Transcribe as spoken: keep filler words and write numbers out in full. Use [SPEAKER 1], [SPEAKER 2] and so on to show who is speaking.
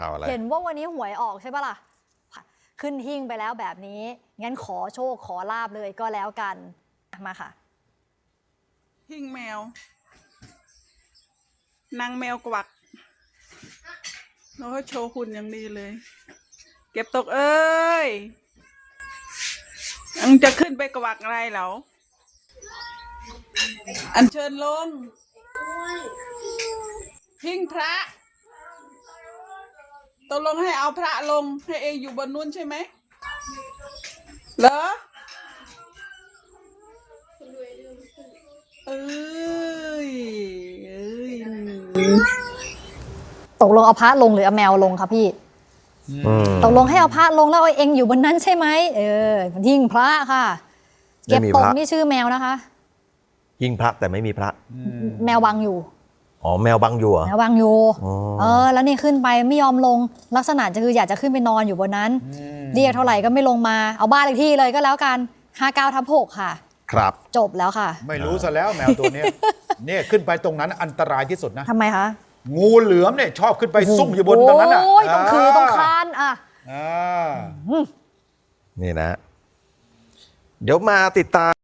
[SPEAKER 1] เห็นว่าวันนี้หวยออกใช่ปะล่ะขึ้นหิ้งไปแล้วแบบนี้งั้นขอโชคขอลาบเลยก็แล้วกันมาค่ะ
[SPEAKER 2] หิ้งแมว นางแมวกวักแล้วก็โชว์หุ่นอย่างดีเลย เก็บตกเอ้ยยังจะขึ้นไปกวักอะไรเหรออัญเชิญลงหิ้งพระตกลงให้เอาพระลงให้เองอยู่บนนู้นใช่ไหมเหรอเอ้ยเอ้ย
[SPEAKER 1] ตกลงเอาพระลงหรือเอาแมวลงคะพี่ตกลงให้เอาพระลงแล้วเอาเองอยู่บนนั้นใช่ไหมเออหิ้งพระค่ะเก็บตกนี่ชื่อแมวนะคะ
[SPEAKER 3] หิ้งพระแต่ไม่มีพระ
[SPEAKER 1] แมวบังอยู่
[SPEAKER 3] อ๋อแมวบังอยู่เหรอ
[SPEAKER 1] แมวบังอยู่เออแล้วนี่ขึ้นไปไม่ยอมลงลักษณะจะคืออยากจะขึ้นไปนอนอยู่บนนั้นเรียกเท่าไหร่ก็ไม่ลงมาเอาบ้านเลขที่เลยก็แล้วกันห้าเก้าทับหกค่ะ
[SPEAKER 3] ครับ
[SPEAKER 1] จบแล้วค่ะ
[SPEAKER 4] ไม่รู้ซะแล้วแมวตัวนี้เนี่ยขึ้นไปตรงนั้นอันตรายที่สุดนะ
[SPEAKER 1] ทำไมคะ
[SPEAKER 4] งูเหลือมเนี่ยชอบขึ้นไปซุ่มอยู่บนตรงนั้นอ่ะ
[SPEAKER 1] โอ้ยต้องคือต้องคานอ่ะ
[SPEAKER 3] นี่นะเดี๋ยวมาติดตาม